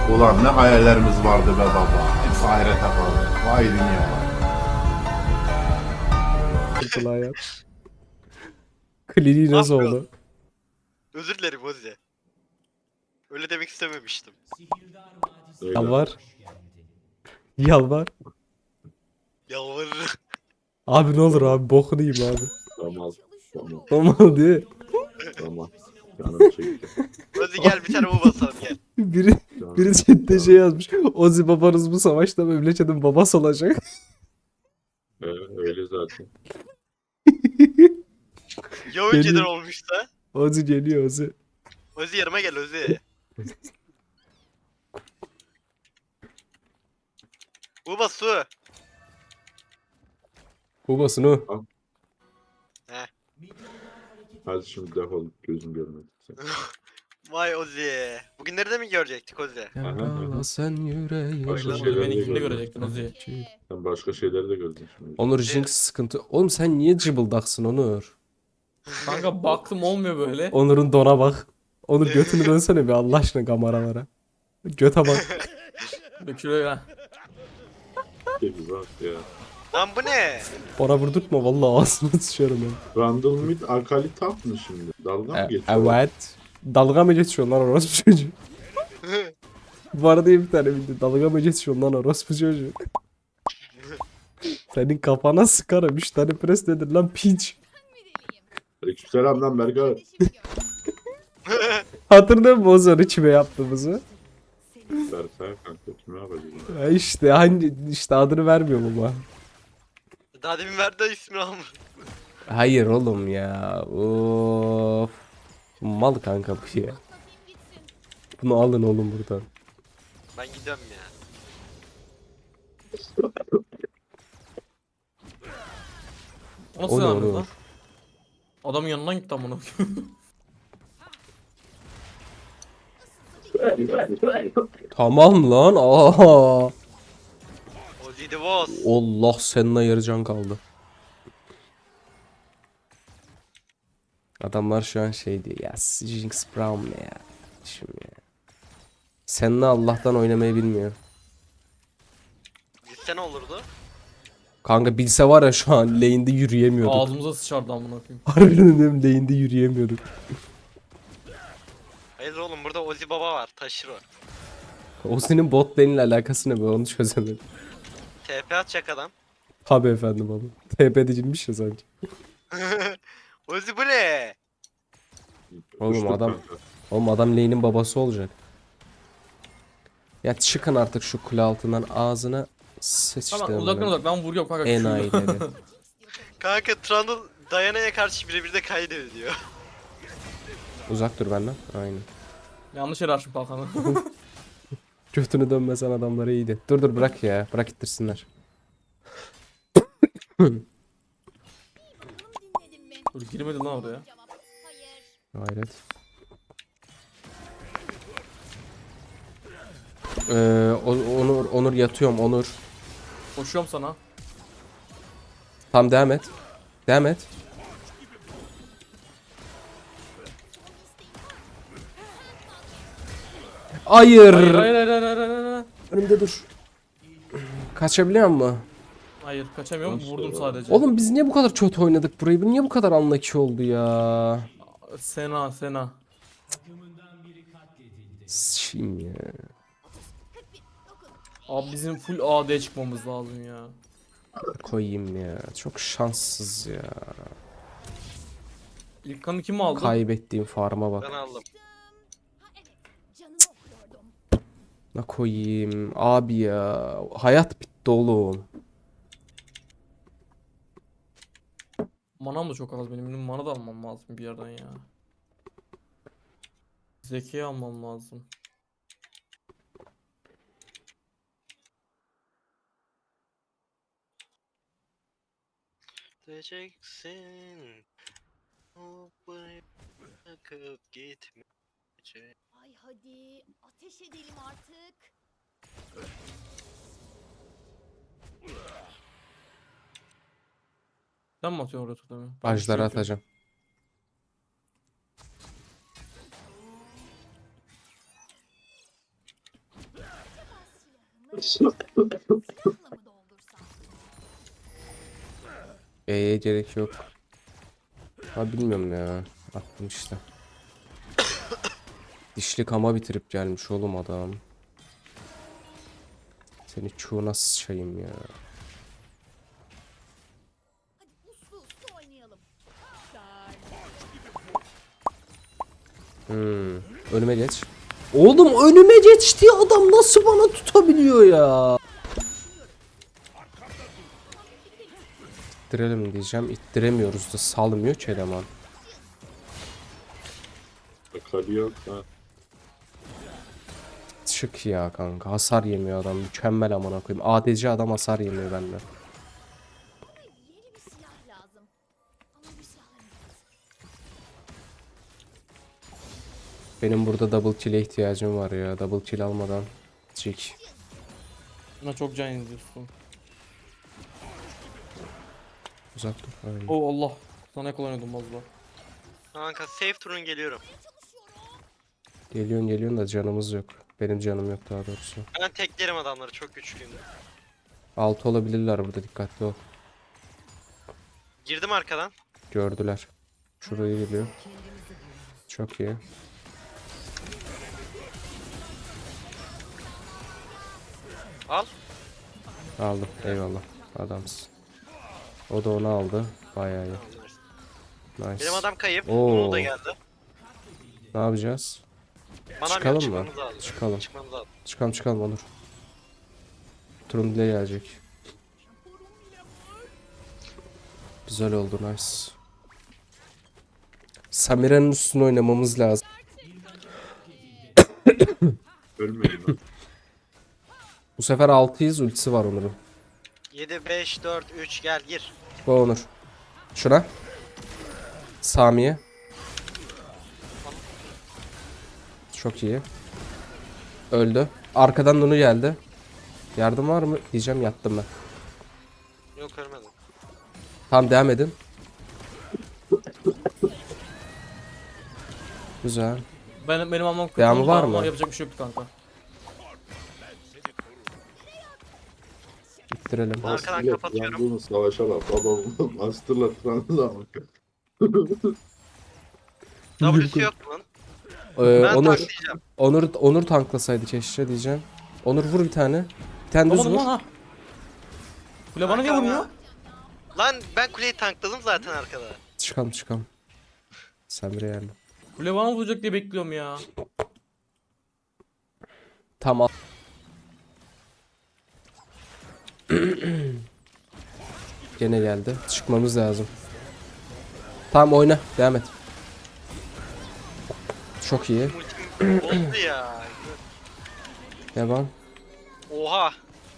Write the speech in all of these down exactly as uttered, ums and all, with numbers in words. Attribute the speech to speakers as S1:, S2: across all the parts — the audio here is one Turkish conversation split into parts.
S1: Ulan ne hayallerimiz vardı be baba. Hepsi ahirete kaldı. Vay dünya vay.
S2: Kulağa yat. Kliniği
S3: Ne
S2: nasıl
S3: yapıyorsun?
S2: oldu?
S3: Özür dilerim Ozi. Öyle demek istememiştim.
S4: Öyle.
S2: Yalvar. Yalvar.
S3: Yalvarırım.
S2: Abi ne olur abi bokunu yiyeyim abi.
S4: Tamam. Tamam.
S2: Normal değil mi?
S4: Tamam. Canım çekti.
S3: Ozi gel bir tane bu basalım gel.
S2: Biri,
S4: Canım.
S2: biri chatte şey yazmış. Ozi babanız bu savaşta memleketin babası olacak.
S4: Ee, öyle zaten.
S3: Ya önceden
S2: Geliyor.
S3: olmuşsa?
S2: Ozi geliyor Ozi.
S3: Ozi yanıma gel Ozi. Uba su.
S2: Babasın o.
S4: Hadi şimdi defol, gözüm görmedi. Sen.
S3: Vay Ozi. Bugünleri de mi görecektik Ozi?
S2: Yarala sen yüreği.
S4: Başka
S5: Oylar
S4: şeyler
S5: beni
S4: de
S5: kimde
S4: gördüm.
S5: görecektin Ozi?
S4: Sen başka şeyleri de gördün şimdi.
S2: Onur Jinx sıkıntı. Oğlum sen niye cıbıldaksın Onur?
S5: Kanka baktım olmuyor böyle.
S2: Onur'un dona bak. Onur götünü dönsene bir Allah aşkına kameralara. Göte bak.
S5: Dökülüyor ya.
S4: Peki bak ya.
S3: Lan bu ne?
S2: Bana vurdurtma vallahi ağzını sıçarım ben.
S4: Randall Mid Akali tap mı şimdi? Dalga mı
S2: E,
S4: geçiyor?
S2: evet. Dalga mı geçiyor lan orospu çocuğu? Var diye bir tane bildi. Dalga mı geçiyor lan orospu çocuğu? Senin kafana sıkarım. Üç tane pres nedir lan piç.
S4: Aleykümselam lan Berkay.
S2: Hatırlıyor musun o zaman içime yaptığımızı?
S4: Berkay kanka kime yapacağız?
S2: Ya işte hangi işte adını vermiyorum ama.
S3: Daha demin verdi ismini almış.
S2: Hayır oğlum ya. Of. Mal kanka bu ya. Bunu alın oğlum buradan.
S3: Ben gidiyorum ya.
S5: O nasıl
S2: O ne,
S5: yani
S2: o ne?
S5: lan? Adamın yanından gitti amına koyayım.
S2: Tamam lan. Aa.
S3: Ozi the boss.
S2: Allah seninle yarı can kaldı. Adamlar şu an şey diyor ya Jinx Brown ne ya? Şimdi ya. Seninle Allah'tan oynamayı bilmiyor.
S3: Gitse ne olurdu?
S2: Kanka bilse var ya şu an lane'de yürüyemiyorduk.
S5: Ağzımıza sıçardı amına koyayım.
S2: Harbiden diyorum lane'de yürüyemiyorduk.
S3: Hayır oğlum burada Ozi baba var. Taşır o.
S2: O senin bot lane ile alakası ne be onu çözemedim.
S3: T P atacak adam.
S2: Tabi efendim oğlum. T P edilmiş ya sanki.
S3: Ozi bu ne?
S2: Oğlum
S4: Uçtuk
S2: adam-
S4: kanka.
S2: Oğlum adam lane'in babası olacak. Ya çıkın artık şu kule altından ağzına sıçtım.
S5: Tamam uzaktan uzak ben vuruyorum kanka.
S2: Enayileri.
S3: Kanka Trundle Diana'ya karşı birebir de kaydediyor.
S2: Uzak dur benden. Aynen.
S5: Yanlış yere açtım kalkanı.
S2: Götünü dönmesen adamlara iyiydi. Dur dur bırak ya. Bırak ittirsinler.
S5: Dur girmedi lan oraya.
S2: Hayret. Ee, O- Onur, Onur yatıyorum Onur.
S5: Koşuyorum sana.
S2: Tam devam et. Devam et. Hayır.
S5: Hayır hayır hayır hayır hayır hayır. hayır.
S2: Önümde dur. Kaçabiliyor mu?
S5: Hayır kaçamıyorum
S4: Nasıl
S5: vurdum
S4: ya?
S5: sadece.
S2: Oğlum biz niye bu kadar kötü oynadık burayı? Bu niye bu kadar unlucky oldu ya?
S5: Sena Sena.
S2: Sıçayım ya.
S5: Abi bizim full A D çıkmamız lazım ya.
S2: Koyayım ya. Çok şanssız ya.
S5: İlk kanı kim aldı?
S2: Kaybettiğim farma bak.
S3: Ben aldım.
S2: Ne koyayım abi ya. Hayat bitti oğlum.
S5: Manam da çok az benim. Benim mana da almam lazım bir yerden ya. Zeki'yi almam lazım.
S3: Diyeceksin. O bırakıp gitmeyecek.
S6: Ay hadi ateş edelim artık.
S5: Sen mi atıyorsun oraya tutamı?
S2: Ajları atacağım.
S6: Silahla mı doldursam?
S2: E'ye gerek yok. Ha bilmiyorum ya. Attım işte. Dişli kama bitirip gelmiş oğlum adam. Seni çuğuna sıçayım ya.
S6: Hadi uslu uslu oynayalım.
S2: Hmm. Önüme geç. Oğlum önüme geçti adam nasıl bana tutabiliyor ya? İttirelim diyeceğim. İttiremiyoruz da salmıyor ki eleman.
S4: Akali yok ha.
S2: Çık ya kanka. Hasar yemiyor adam. Mükemmel amına koyayım. A D C adam hasar yemiyor benden.
S6: Yeni bir silah lazım. Ama bir silahlarım yok.
S2: Benim burada double kill'e ihtiyacım var ya. Double kill almadan. Çık.
S5: Buna çok can yazıyorsun.
S2: Uzak dur. Aynen.
S5: Oh Allah. Sana kullanıyordum az daha.
S3: Kanka safe turun geliyorum.
S2: Geliyorsun geliyorsun da canımız yok. Benim canım yok daha doğrusu.
S3: Ben teklerim adamları, çok güçlüyüm.
S2: Altı olabilirler burada, dikkatli ol.
S3: Girdim arkadan.
S2: Gördüler. Şuraya geliyor. Çok iyi.
S3: Al.
S2: Aldım. Eyvallah. Adamsın. O da onu aldı. Bayağı iyi. Nice.
S3: Benim adam kayıp.
S2: Oo.
S3: Bunu da geldi.
S2: Ne yapacağız?
S3: Bana
S2: Çıkalım
S3: çıkalım
S2: mı?
S3: mı? Lazım.
S2: Çıkalım.
S3: Çıkmamız lazım.
S2: Çıkalım çıkalım olur. Turun dile gelecek. Güzel oldu, nice. Samira'nın üstüne oynamamız lazım.
S4: Ölmeyin lan.
S2: Bu sefer altıyız, ultisi var Onur'un.
S3: yedi, beş, dört, üç gel gir.
S2: Bu Onur. Şuna. Sami'ye. Çok iyi. Öldü. Arkadan Nunu geldi. Yardım var mı? Diyeceğim, yattım ben.
S3: Yok ölmedim.
S2: Tamam, devam edin. Güzel.
S5: Ben, benim almam kötü
S2: Devamı
S5: oldu
S2: var
S5: ama
S2: mı?
S5: yapacak bir şey yok kanka.
S2: İttirelim.
S3: Arkadan
S4: Master'la
S3: kapatıyorum.
S4: Trundle'ın savaşa bak. Baba Master'la Trundle'a bak.
S3: W'su yok lan.
S2: Ee,
S3: Ben
S2: Onur,
S3: tanklayacağım.
S2: Onur, Onur tanklasaydı keşke diyeceğim. Onur vur bir tane. Bir tane düz
S5: Vuramadım
S2: vur.
S5: lan ha. Kule bana niye
S3: Kanka
S5: vurmuyor?
S3: Lan ben kuleyi tankladım zaten arkada.
S2: Çıkalım çıkalım. Samire yani.
S5: Kule bana vuracak diye bekliyorum ya.
S2: Tamam. Gene geldi. Çıkmamız lazım. Tamam, oyna. Devam et. Çok iyi.
S3: Ultim oldu ya.
S2: Devam.
S3: Oha.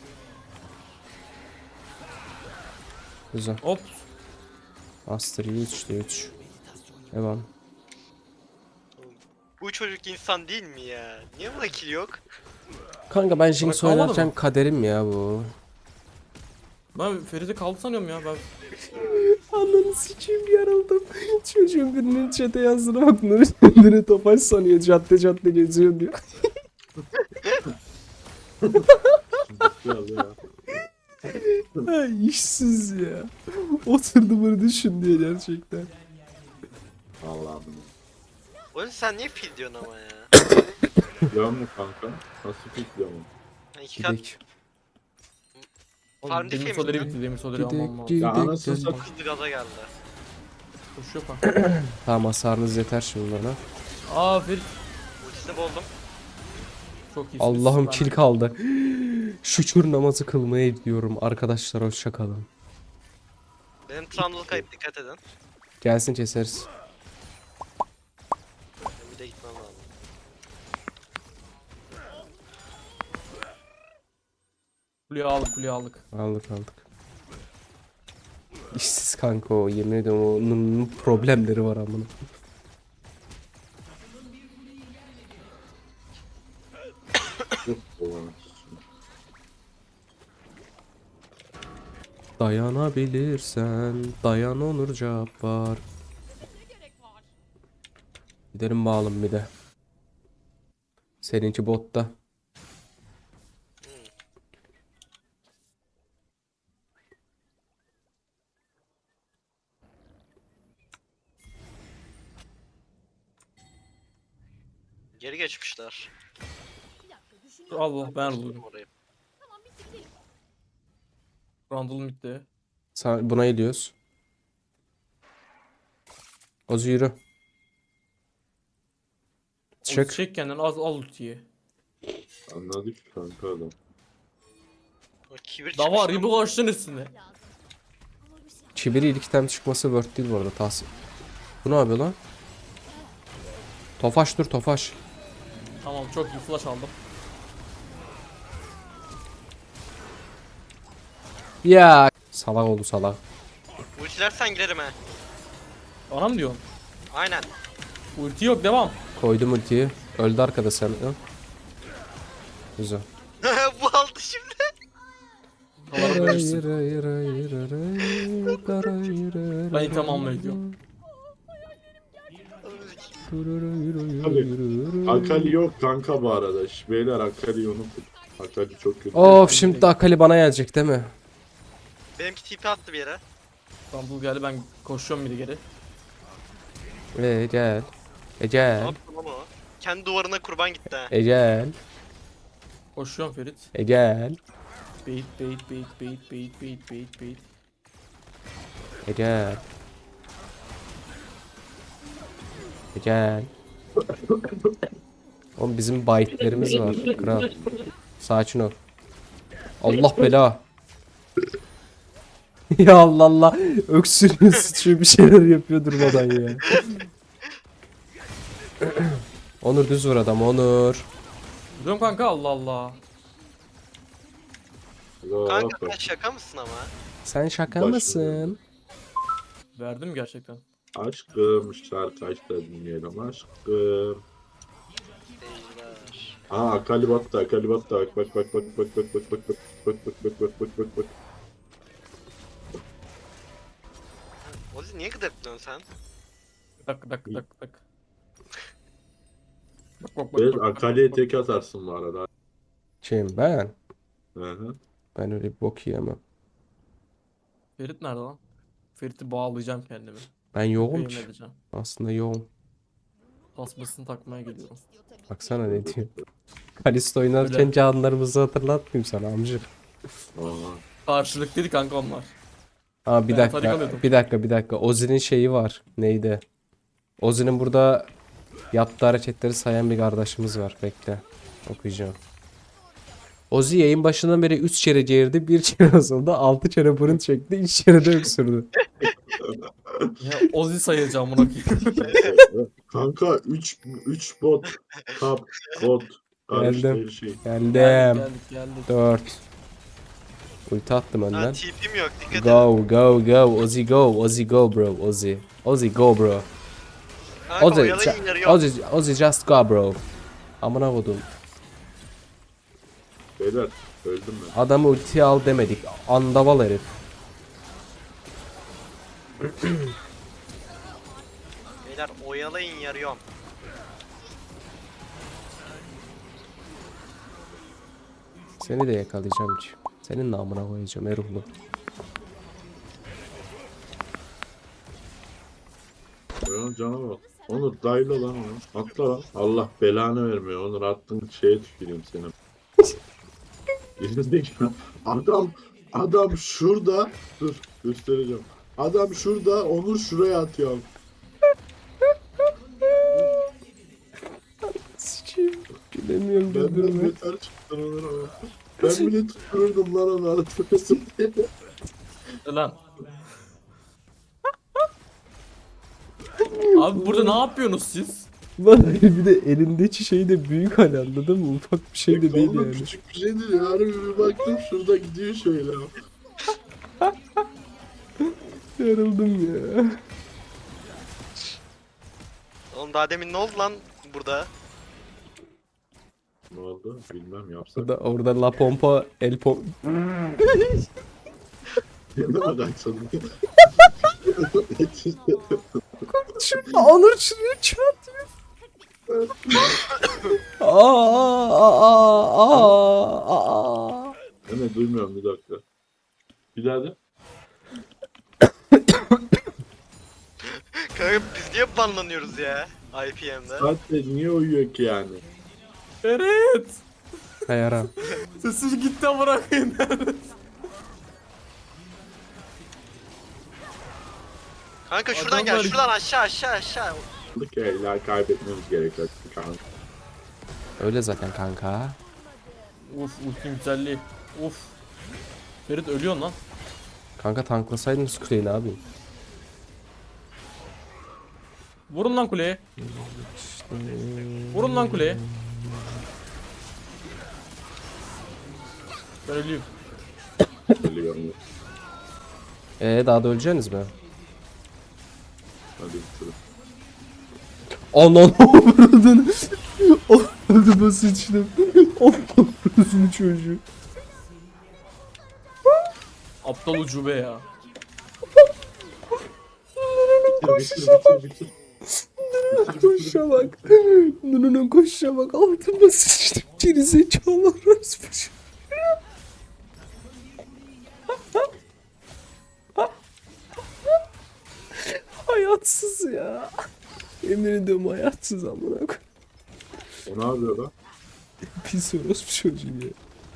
S2: Güzel.
S5: Hop.
S2: Master üç de üç. Devam.
S3: Bu çocuk insan değil mi ya? Niye buna kill yok?
S2: Kanka ben Jinx
S5: kalmadı
S2: oynarken
S5: mı?
S2: kaderim ya bu.
S5: Ben Ferit'e kaldı sanıyorum ya ben.
S2: Ananı sikeyim, yarıldım. Çocuğun birinin chat'e yazdığına bak. Nuri kendini Tofaş sanıyor. Cadde cadde geziyor diyor.
S4: Biraz ya.
S2: Ha, işsiz ya. Oturdu bunu düşün diye gerçekten.
S4: Allah'ım.
S3: Oğlum sen niye fil diyorsun ama ya?
S4: Biliyor mu kanka? Nasıl fikriyor mu?
S3: Ha, İki kat
S2: Gidek.
S5: Oğlum,
S3: Farm
S5: demir
S3: defiymiş
S5: soleri
S3: lan.
S5: bitti, demir soleri
S2: Gidek,
S5: almam lazım.
S2: gidek.
S4: Ya anasını
S2: gel.
S4: satayım.
S3: hızlı gaza geldi.
S5: Koşuyor kanka.
S2: Tamam, hasarınız yeter şimdi bana.
S5: Aa Ferit.
S3: Ultisini bozdum.
S5: Çok iyisin.
S2: Allah'ım
S5: Ben-
S2: kill kaldı. Şükür namazı kılmaya gidiyorum. Arkadaşlar hoşça kalın.
S3: Benim Trundle kayıp, dikkat edin.
S2: Gelsin keseriz.
S3: Benim bir de gitmem lazım.
S5: Kuleyi aldık, kuleyi aldık.
S2: Aldık aldık. İşsiz kanka o. Yemin ediyorum onun problemleri var amına.
S4: Ulan.
S2: Dayanabilirsen dayan Onur Cabbar. Gidelim bağlım bir de. Seninki botta.
S3: çıkmışlar.
S6: Bir dakika düşünüyorum.
S5: Allah ben vurdum.
S3: Orayı.
S6: Tamam bitti gidelim.
S5: Randall bitti.
S2: Sen buna gidiyoruz. Ozu yürü.
S5: Çık.
S2: Çık.
S5: Çek kendini az al ultiyi.
S4: Anladık kanka adam.
S3: O kibir
S5: Da var
S3: çıkmış.
S5: gibi koştun üstüne.
S6: Lazım. Ama bir silah.
S2: Çiviri ilk item çıkması worth değil bu arada. Tahsin. Bu ne yapıyor lan? Tofaş dur Tofaş.
S5: Tamam çok iyi flash aldım.
S2: Ya salak oldu salak.
S3: Ultilersen girerim he.
S5: Bana mı diyorsun?
S3: Aynen.
S5: Ulti yok devam.
S2: Koydum ultiyi. Öldü arkada sen. Hı? Güzel.
S3: Bu aldı şimdi.
S5: Kalanı verirsin. Ben
S2: Ben
S5: tamamla ediyorum.
S4: Akali yok kanka bu arada. Şş, Beyler Akali'yi unutun. Akali çok kötü.
S2: Of şimdi de Akali bana gelecek değil mi?
S3: Benimki T P attı bir yere.
S5: Randall geldi ben koşuyorum biri geri.
S2: Ee, gel. E
S3: Ne
S2: gel.
S3: yaptı lan o? Kendi duvarına kurban gitti ha.
S2: E gel.
S5: Koşuyorum Ferit.
S2: E gel.
S5: Bait bait bait bait bait bait bait bait.
S2: E gel. E gel. Oğlum bizim bayitlerimiz var. Kral. Sakin ol. Allah bela. Ya Allah Allah. Öksürüyor sıçıyor bir şeyler yapıyor durmadan ya. Onur düz vur adam Onur.
S5: Duruyorum kanka Allah Allah.
S3: Kanka sen şaka mısın ama?
S2: Sen şaka
S4: Başlıyor.
S2: mısın?
S5: Verdim gerçekten.
S4: Aşkım şarkı aç da dinleyelim aşkım.
S3: Beyler.
S4: Aa Akali battı Akali battı bak bak bak bak bak bak bak bak bak bak bak bak bak bak bak bak.
S3: Ozi niye gıdıklıyorsun sen?
S5: Dak dak dak dak. Bak bak bak.
S4: Bez
S5: bak, bak,
S4: Akali'ye
S5: bak.
S4: tek atarsın bu arada.
S2: Kim ben?
S4: Hı hı.
S2: Ben öyle bir bok yiyemem.
S5: Ferit nerede lan? Ferit'i bağlayacağım kendimi.
S2: Ben yoğum
S5: Köpeğim
S2: ki.
S5: edeceğim.
S2: Aslında yoğum.
S5: Tasmasını takmaya geliyorum.
S6: İstiyor tabii ki.
S2: Baksana ne diyor. Kalisto oynarken
S5: Öyle.
S2: canlarımızı hatırlatmayayım sana amcık.
S4: Aa.
S5: Karşılıklıydı kanka onlar.
S2: Aa bir
S5: Ben tarik
S2: dakika.
S5: alıyordum.
S2: Bir dakika bir dakika. Ozi'nin şeyi var. Neydi? Ozi'nin burada yaptığı hareketleri sayan bir kardeşimiz var. Bekle. Okuyacağım. Ozi yayın başından beri üç kere geğirdi, bir kere asıldı, altı kere burun çekti, üç kere de öksürdü.
S5: Ya Ozi sayacağım bunu.
S4: Kanka üç üç bot kap bot karıştı
S2: Geldim.
S4: her şey.
S2: Geldim.
S5: Geldik geldik.
S2: dört. Ulti attım
S3: Ha
S2: önden.
S3: T P'm yok dikkat et.
S2: Go go go Ozi go Ozi go bro Ozi. Ozi go bro.
S3: Kanka
S2: Ozi,
S3: oyalayın yarı yok.
S2: Ozi, Ozi just go bro. Amına kodum.
S4: Beyler öldüm ben.
S2: Adamı ultiye al demedik. Andaval herif.
S3: Beyler oyalayın yarıyorum.
S2: Seni de yakalayacağım ki. Senin namına koyacağım Eruhlu.
S4: Onun cana bak. Onur dayla lan onu. Atla lan. Allah belanı vermiyor. Onur attığın şeye tüküreyim seni. Gerizekalı. Adam adam şurada. Dur göstereceğim. Adam şurada. Onur şuraya atıyor.
S2: Sıçayım. Bilemiyorum
S4: Ben de
S2: güldürme.
S4: beter çıktım Onur ama. Ben bile tuttururdum lan onu anlatmasın diye.
S5: Lan. Abi burada ne yapıyorsunuz siz?
S2: Lan bir de elindeki şey de büyük hani anladın mı? Ufak bir şey de değil
S4: Oğlum
S2: yani.
S4: küçük bir şey değil. Harbi bir baktım şurada gidiyor şöyle.
S2: Yarıldım ya.
S3: Oğlum daha demin ne oldu lan burada?
S4: Ne oldu? Bilmem yapsak.
S2: Orada, orada la pompa el pom...
S4: Ne bakarsın?
S2: Şurada Onur şuraya çarptı. Aa aa aa aa.
S4: Ne duymuyorum bir dakika. Bir daha de.
S3: Kanka biz niye banlanıyoruz ya? I P M'de.
S4: Saatte niye uyuyor ki yani?
S5: Ferit!
S2: Kayara.
S5: Sesi gitti amına koyayım.
S3: Kanka şuradan gel,
S5: Adamlar-
S3: şuradan aşağı aşağı aşağı.
S4: Ki illa kaybetmemiz gerekiyor kanka.
S2: Öyle zaten kanka.
S5: Uf ultim güzelliği. Uf. Ferit ölüyorsun lan.
S2: Kanka tanklasaydınız kuleyi ne yapayım?
S5: Vurun lan kuleye. Vurun lan kuleye. Ben ölüyüm.
S4: Ölüyorum.
S2: Ee daha da öleceksiniz mi?
S4: Hadi bitirin.
S2: Anan avradını. Altıma sıçtım. Allah'ın çocuğu.
S5: Aptal ucube ya.
S4: Bitir bitir bitir bitir.
S2: Koşa bak. Nununun koşa bak. Altıma sıçtım. Geri zekalı orospu. Hayatsız ya. Emin ediyorum hayatsız amına koyayım.
S4: O ne yapıyor lan?
S2: Pis orospu çocuğu ya.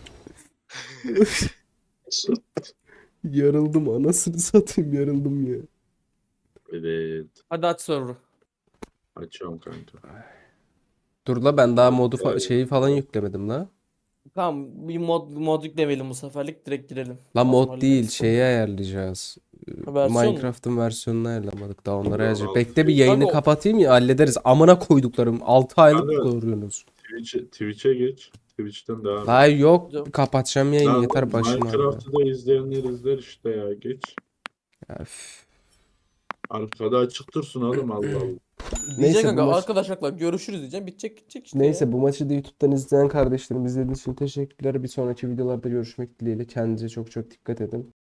S2: Yarıldım anasını satayım yarıldım ya.
S4: Evet.
S5: Hadi aç server'ı.
S4: Açıyorum kanka.
S2: Dur la ben daha modu fa- şeyi falan yüklemedim la.
S5: Tamam bir mod mod yüklemeyelim bu seferlik direkt girelim.
S2: La
S5: Lazım
S2: mod
S5: hallederiz.
S2: değil şeyi ayarlayacağız.
S5: Ha, versiyon mu?
S2: Minecraft'ın versiyonunu ayarlamadık daha onları
S4: Allah
S2: ayarlayacağız.
S4: Allah.
S2: Bekle bir yayını
S5: Kanka o-
S2: kapatayım ya hallederiz. Amına koyduklarım altı aylık
S4: Kanka-
S2: koruyorsunuz.
S4: Twitch'e Twitch'e geç. Twitch'ten devam et.
S2: La yok
S5: Hocam.
S2: kapatacağım yayını
S4: Lan
S2: yeter başıma. ağrıyor.
S4: Minecraft'ı da izleyenler izler işte ya. Geç.
S2: Ya, üf.
S4: Arkada açık dursun oğlum Allah Allah.
S2: Neyse,
S5: Diyecek
S2: bu
S5: kanka
S2: maç-
S5: arkadaşlarla görüşürüz diyeceğim. Bitecek gidecek işte
S2: Neyse
S5: ya.
S2: bu maçı da YouTube'dan izleyen kardeşlerim izlediğiniz için teşekkürler. Bir sonraki videolarda görüşmek dileğiyle. Kendinize çok çok dikkat edin.